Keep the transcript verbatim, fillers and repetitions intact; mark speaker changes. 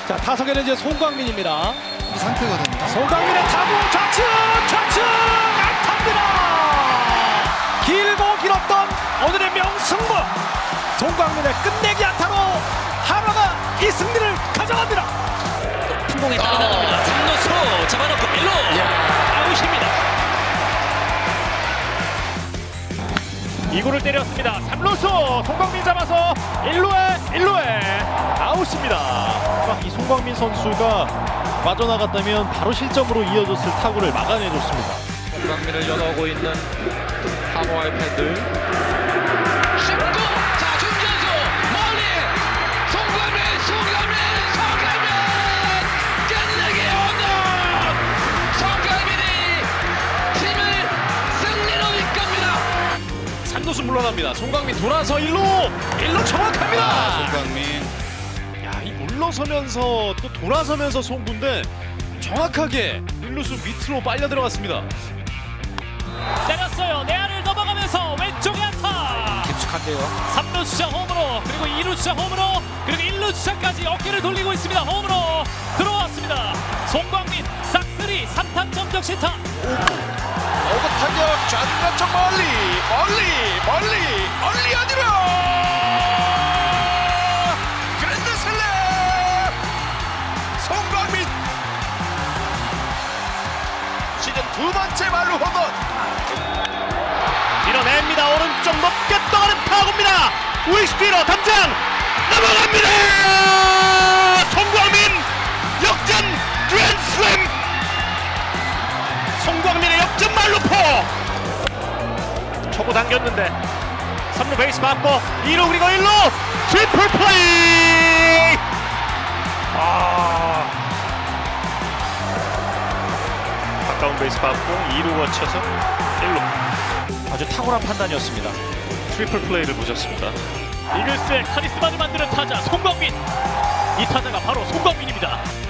Speaker 1: 자, 타석에는 이제 송광민입니다.
Speaker 2: 이 상태거든요.
Speaker 1: 송광민의 타구 좌측 좌측 안타입니다. 길고 길었던 오늘의 명승부. 송광민의 끝내기 안타로 한화가 이 승리를 가져갑니다.
Speaker 3: 큰 공에 따라 나갑니다. 삼 루수 잡아놓고 일 루 아웃입니다.
Speaker 4: 이 구를 때렸습니다. 삼 루수 송광민 잡아서 일 루에 일 루에 아웃입니다. 이 송광민 선수가 빠져나갔다면 바로 실점으로 이어졌을 타구를 막아내줬습니다.
Speaker 5: 송광민을 연호하고 있는 한화의 팬들.
Speaker 6: 쉽고 자 중견수 멀리 송광민 송광민 송광민 끝내기 홈런 송광민이 팀을 승리로 이끕니다.
Speaker 1: 삼 루수 물러납니다. 송광민 돌아서 일 루 일 루 정확합니다.
Speaker 2: 아, 송광민.
Speaker 4: 야, 이 물러서면서 또 돌아서면서 송구인데 정확하게 일 루수 밑으로 빨려 들어갔습니다.
Speaker 3: 때렸어요. 내야를 넘어가면서 왼쪽에 안타.
Speaker 1: 깊숙한데요.
Speaker 3: 삼 루 주자 홈으로 그리고 이 루 주자 홈으로 그리고 일 루 주자까지 어깨를 돌리고 있습니다. 홈으로 들어왔습니다. 송광민 싹쓸이 삼 타점 적시타.
Speaker 5: 어그 타격 좌중간쪽 멀리 멀리 멀리 멀리 어디로 그랜드 슬램 송광민 시즌 두 번째 말루 홈런.
Speaker 4: 밀어냅니다. 오른쪽 높게 떠가는 타구입니다. 우익수 뒤로 담장 넘어갑니다. 송광민 역전 그랜드슬램. 송광민의 역전 말루포. 초구 당겼는데 삼 루 베이스 맞고 이 루 그리고 일 루 트리플 플레이. 아, 가까운 베이스 받고 이 루 거쳐서 일 루. 아주 탁월한 판단이었습니다. 트리플 플레이를 보셨습니다. 이글스의 카리스마를 만드는 타자 송광민. 이 타자가 바로 송광민입니다.